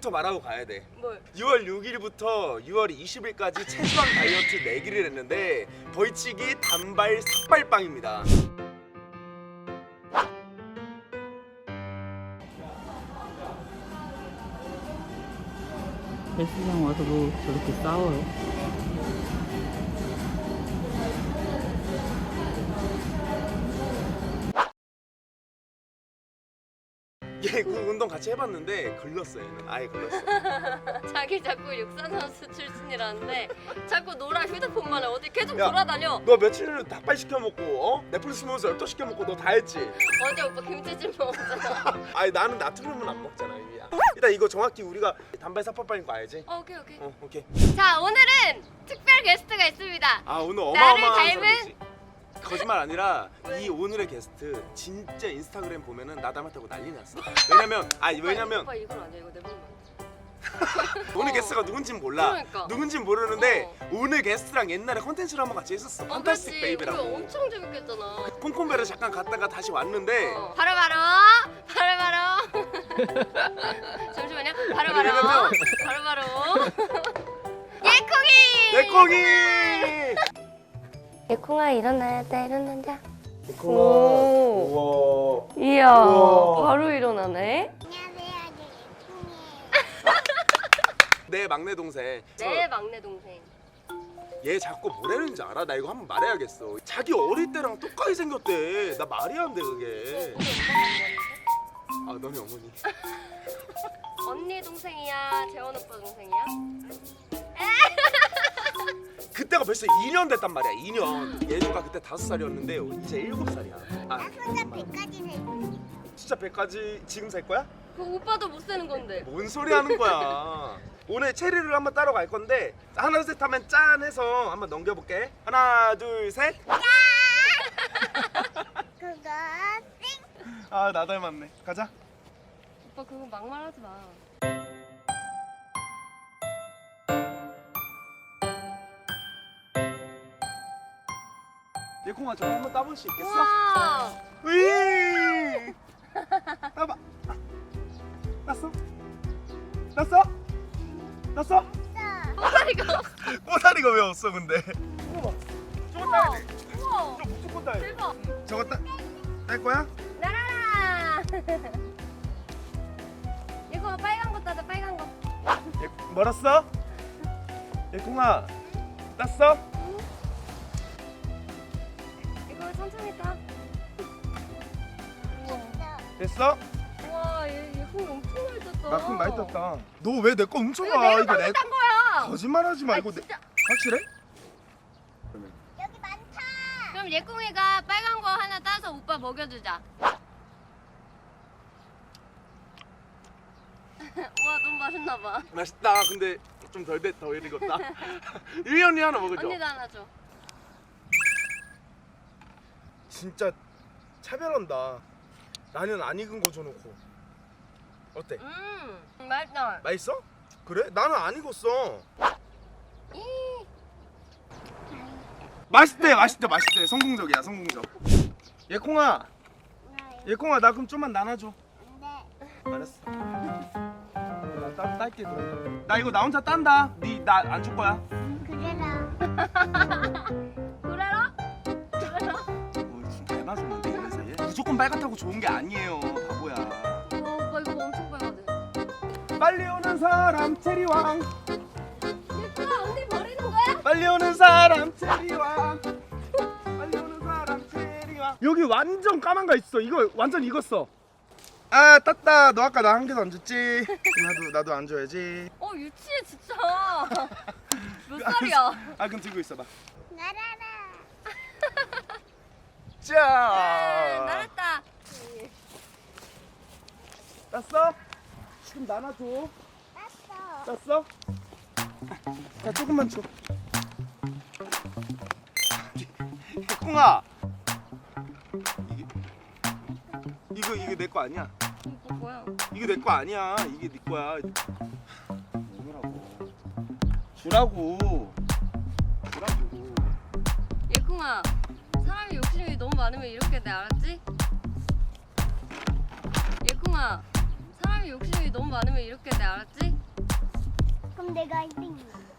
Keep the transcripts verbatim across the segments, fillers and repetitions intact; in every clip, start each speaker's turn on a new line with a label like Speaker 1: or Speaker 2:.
Speaker 1: 이거부터 말하고 가야 돼.
Speaker 2: 뭘?
Speaker 1: 유월 육일부터 유월 이십일까지 체지방 다이어트 내기를 했는데 벌칙이 단발 삭발빵입니다.
Speaker 3: 헬스장 와서 뭐 저렇게 싸워요?
Speaker 1: 얘 그 운동 같이 해봤는데 걸렸어. 얘는 아예 걸렸어.
Speaker 2: 자기 자꾸 육상 선수 출신이라는데 자꾸 놀아 휴대폰만 해. 어디 계속
Speaker 1: 야,
Speaker 2: 돌아다녀.
Speaker 1: 너 며칠 전에 닭발 시켜 먹고 어? 넷플릭스 보면서 엽떡 시켜 먹고 너 다 했지?
Speaker 2: 어제 오빠 김치찜 먹었잖아.
Speaker 1: 아니 나는 나트륨은 안 먹잖아. 이미야. 일단 이거 정확히 우리가 단발 삭발빵인 거 알지?
Speaker 2: 어, 오케이 오케이.
Speaker 1: 어 오케이.
Speaker 2: 자 오늘은 특별 게스트가 있습니다.
Speaker 1: 아 오늘
Speaker 2: 나를
Speaker 1: 어마어마한
Speaker 2: 닮은?
Speaker 1: 사람이지. 거짓말 아니라 이 오늘의 게스트 진짜 인스타그램 보면은 나 닮았다고 난리 났어. 왜냐면 아니 왜냐면
Speaker 2: 오빠 이건 아니야. 이거 내보내면 안 돼.
Speaker 1: 오늘
Speaker 2: 어.
Speaker 1: 게스트가 누군진 몰라.
Speaker 2: 그러니까.
Speaker 1: 누군진 모르는데
Speaker 2: 어.
Speaker 1: 오늘 게스트랑 옛날에 컨텐츠를 한번 같이 했었어.
Speaker 2: 어,
Speaker 1: 판타스틱
Speaker 2: 그렇지.
Speaker 1: 베이비라고.
Speaker 2: 우리 엄청 재밌겠잖아.
Speaker 1: 콩콩베를 잠깐 갔다가 다시 왔는데
Speaker 2: 어. 바로 바로 바로 바로 잠시만요. 바로 바로
Speaker 1: 왜냐면-
Speaker 2: 바로 바로 예콩이.
Speaker 1: 내콩이.
Speaker 2: 예콩아 일어나야 돼. 일어나자.
Speaker 1: 내콩아.
Speaker 2: 오.
Speaker 1: 우와.
Speaker 2: 이야
Speaker 1: 우와.
Speaker 2: 바로 일어나네.
Speaker 1: 내 막내 동생.
Speaker 2: 내 막내 동생.
Speaker 1: 얘 자꾸 뭐라는지 알아? 나 이거 한번 말해야겠어. 자기 어릴 때랑 똑같이 생겼대. 나 말이 안 돼 그게.
Speaker 2: 우리 엄마
Speaker 1: 아 너네 어머니.
Speaker 2: 언니 동생이야. 재원 오빠 동생이야?
Speaker 1: 그때가 벌써 이 년 됐단 말이야. 이 년. 예주가 그때 다섯 살이었는데 이제 일곱 살이야. 아,
Speaker 4: 혼자 백까지 살
Speaker 1: 진짜 백까지 지금 살 거야?
Speaker 2: 그 오빠도 못 사는 건데.
Speaker 1: 뭔 소리 하는 거야? 오늘 체리를 한번 따러 갈 건데 하나 둘 셋 하면 짠 해서 한번 넘겨볼게. 하나 둘 셋.
Speaker 4: 그거
Speaker 1: 아 나 닮았네. 가자.
Speaker 2: 오빠 그거 막말하지 마.
Speaker 1: 예콩아 저거 한번 따볼 수 있겠어?
Speaker 2: 우와.
Speaker 1: 으이! 따봐. 땄어? 땄어? 땄어?
Speaker 2: 오빠리가 없어.
Speaker 1: 꼬다리가 왜 없어 근데? 저거 봐. 저거 따야 돼.
Speaker 2: 우와.
Speaker 1: 저거 무조건 따야 돼.
Speaker 2: 대박.
Speaker 1: 저거 따, 딸 거야?
Speaker 2: 나라라. 이거 빨간 거 따자. 빨간 거.
Speaker 1: 예, 멀었어? 예콩아 땄어?
Speaker 2: 이거 천천히 따. 우와.
Speaker 1: 됐어?
Speaker 2: 우와 얘 얘콩이 엄청 많이 땄다.
Speaker 1: 나 콩 많이 땄다. 너 왜 내 거 훔쳐가?
Speaker 2: 이거 내가
Speaker 1: 이거
Speaker 2: 방금 딴 거야.
Speaker 1: 거짓말하지 말고
Speaker 2: 아,
Speaker 1: 내,
Speaker 2: 진짜.
Speaker 1: 확실해?
Speaker 4: 여기 많다.
Speaker 2: 그럼 예콩이가 빨간 거 하나 따서 오빠 먹여주자. 와 너무 맛있나 봐.
Speaker 1: 맛있다. 근데 좀 덜 됐다. 덜 익었다. 유이 언니 하나 먹어줘.
Speaker 2: 언니도 하나 줘.
Speaker 1: 진짜 차별한다. 나는 안 익은 거 줘놓고. 어때?
Speaker 2: 음 맛있다.
Speaker 1: 맛있어? 그래? 나는 안 익었어.
Speaker 2: 이.
Speaker 1: 맛있대, 맛있대, 맛있대. 성공적이야, 성공적. 예콩아, 예콩아, 나 그럼 좀만 나눠줘.
Speaker 4: 안돼.
Speaker 1: 알았어. 나 따, 딸게 그럼. 나 이거 나 혼자 딴다. 니 나 안 줄 거야.
Speaker 4: 그래라.
Speaker 2: 그래라? 그래라?
Speaker 1: 뭐 지금 잘 맞았는데 이런 사이에? 무조건 빨갛다고 좋은 게 아니에요, 바보야.
Speaker 2: 어, 오빠 이거 엄청 빨갛네.
Speaker 1: 빨리 오는 사람 체리왕.
Speaker 2: 예콩아 언니 버리는 거야?
Speaker 1: 빨리 오는 사람 체리왕. 빨리 오는 사람 체리왕. 여기 완전 까만 거 있어. 이거 완전 익었어. 아 땄다. 너 아까 나 한 개도 안 줬지? 나도 나도 안 줘야지.
Speaker 2: 어 유치해 진짜. 몇 살이야?
Speaker 1: 아 그럼 들고 있어봐.
Speaker 4: 나라라.
Speaker 1: 자.
Speaker 2: 네, 나랬다.
Speaker 1: 땄어? 지금 나눠줘.
Speaker 4: 땄어.
Speaker 1: 땄어? 자 조금만 줘. 콩아. 이게 이거 이게 내 거 아니야?
Speaker 2: 이거 뭐야?
Speaker 1: 이게 내 거 아니야. 이게 네 거야. 주라고. 주라고. 주라고.
Speaker 2: 예콩아 사람이 욕심이 너무 많으면 이렇게 돼 알았지? 예콩아 사람이 사람이 욕심이 너무 많으면 이렇게 돼, 알았지?
Speaker 4: 그럼 내가 일 등이야.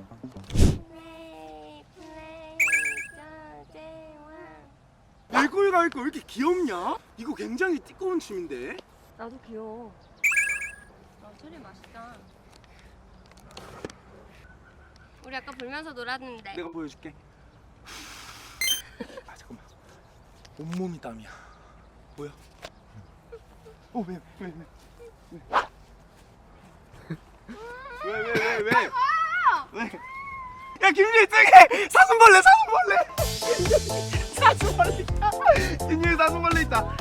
Speaker 2: 플레이 플레이 짜제와.
Speaker 1: 예콩이가 이거 왜 이렇게 귀엽냐? 이거 굉장히 띠꺼운 춤인데.
Speaker 2: 나도 귀여워. 아, 소리 맛있다. 우리 아까 불면서 놀았는데.
Speaker 1: 내가 보여줄게. 아 잠깐만. 온몸이 땀이야. 뭐야? 어 왜? 왜? 왜? 왜? 왜? 왜? 왜? 왜? 왜? 야 김유리 저기 사슴벌레 사슴벌레 사슴벌레 있다. 김유리 사슴벌레 있다.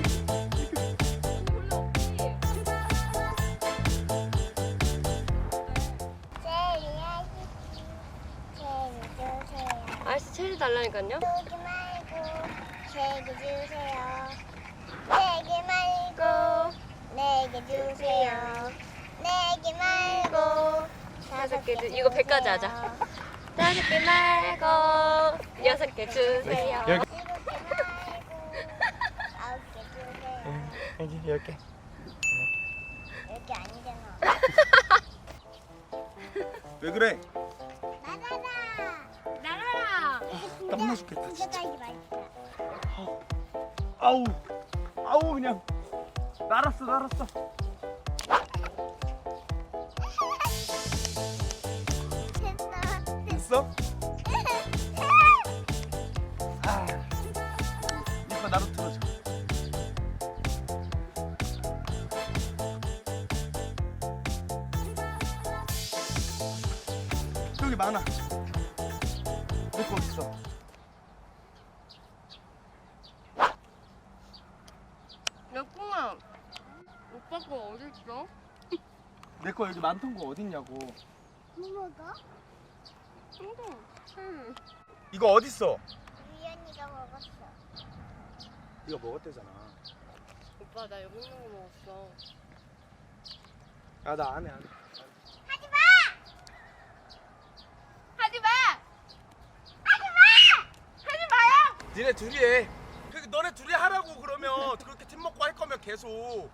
Speaker 4: 제리야, 제리 주세요.
Speaker 2: 아저씨 체리 달라니까요.
Speaker 4: 쏘지 말고 제게 주세요. 내게 말고 내게 주세요. 내게 말고
Speaker 2: 다섯 개 주. 이거 백까지 하자. 다섯 개 말고 여섯 개 주세요.
Speaker 1: 여기.
Speaker 4: 일곱 개 말고 아홉 개 주세요.
Speaker 1: 여기 열 개.
Speaker 4: 여기 아니잖아.
Speaker 1: 왜 그래?
Speaker 4: 나가라.
Speaker 2: 나가라.
Speaker 1: 땀나 죽겠다, 진짜.
Speaker 4: 진짜 맛있다.
Speaker 1: 아우 아우 그냥 날았어 날았어.
Speaker 4: 됐어.
Speaker 1: 됐어? 아, 이거 나도 틀어줘. 저기 많아. 내거 어딨어?
Speaker 2: 여콩아, 오빠 거 어디 있어?
Speaker 1: 내 거 여기 많던 거 어딨냐고.
Speaker 4: 뭐 먹어?
Speaker 2: 응. 음.
Speaker 1: 이거 어딨어?
Speaker 4: 유연이가 먹었어.
Speaker 1: 이거 먹었대잖아.
Speaker 2: 오빠 나 여기 있는 거 먹었어.
Speaker 1: 아 나 안 해 안 해.
Speaker 4: 하지 마!
Speaker 2: 하지 마.
Speaker 4: 하지 마요!
Speaker 1: 니네 둘이 해. 그 너네 둘이 하라고 그러면 그렇게 팀 먹고 할 거면 계속.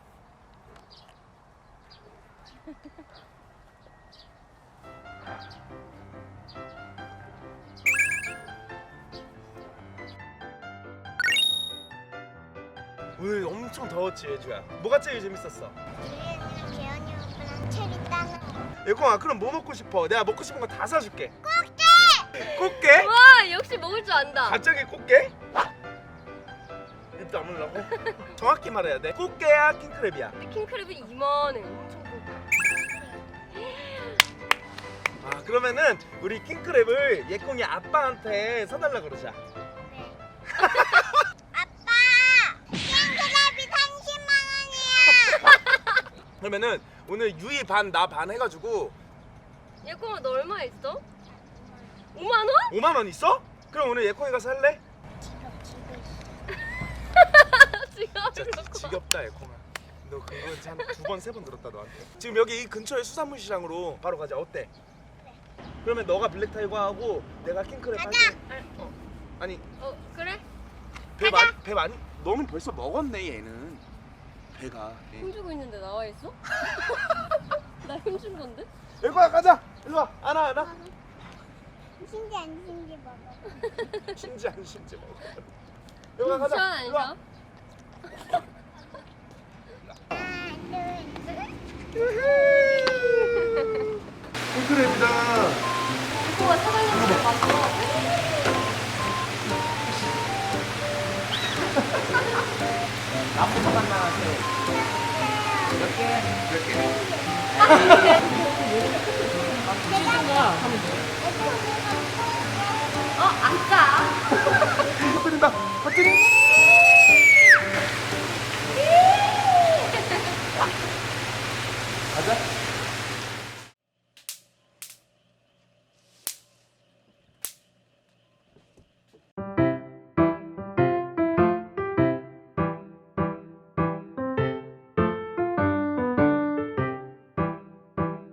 Speaker 1: 오늘 엄청 더웠지 예주야. 뭐가 제일 재밌었어?
Speaker 4: 유연이랑 재현이 오빠랑 체리 따는 거.
Speaker 1: 예콩아 그럼 뭐 먹고 싶어? 내가 먹고 싶은 거 다 사줄게. 꽃게! 꽃게?
Speaker 2: 와 역시 먹을 줄 안다.
Speaker 1: 갑자기 꽃게? 입 다물라고? 정확히 말해야 돼. 꽃게야 킹크랩이야?
Speaker 2: 근데 킹크랩이 이만해. 엄청 커.
Speaker 1: 아 그러면은 우리 킹크랩을 예콩이 아빠한테 사달라 그러자.
Speaker 4: 네. 아빠! 킹크랩이 삼십만 원이야!
Speaker 1: 그러면은 오늘 유이 반 나 반 해가지고
Speaker 2: 예콩아 너 얼마 있어? 오만 원?
Speaker 1: 오만 원 있어? 그럼 오늘 예콩이가 살래?
Speaker 4: 지금 지고 있어.
Speaker 2: 지갑
Speaker 1: 진짜
Speaker 2: 놓고.
Speaker 1: 지겹다 예콩아. 너 그거 한두 번 세 번 들었다 너한테. 지금 여기 이 근처에 수산물 시장으로 바로 가자. 어때? 그러면 너가 블랙타이거 하고 내가 킹크랩 할게. 어. 아니
Speaker 2: 어 그래?
Speaker 1: 배 많이 배 많이 너는 벌써 먹었네 얘는. 배가. 예.
Speaker 2: 힘주고 있는데 나와 있어? 나 힘준 건데?
Speaker 1: 예콩아 가자. 일로 와. 안아 안아.
Speaker 4: 신지 안 신지 먹어.
Speaker 1: 신지 안 신지 먹어. 예콩아 가자.
Speaker 2: 시원 안
Speaker 1: 일로 와.
Speaker 2: 시원?
Speaker 4: 하나, 둘, 셋.
Speaker 1: 킹크랩이다.
Speaker 2: 예콩아 사장님한테 봤어.
Speaker 3: 나부터 만나세요. 몇 개?
Speaker 1: 몇 개?
Speaker 3: 가 하면 돼.
Speaker 2: 어 아싸.
Speaker 1: 터뜨린다. 터뜨려.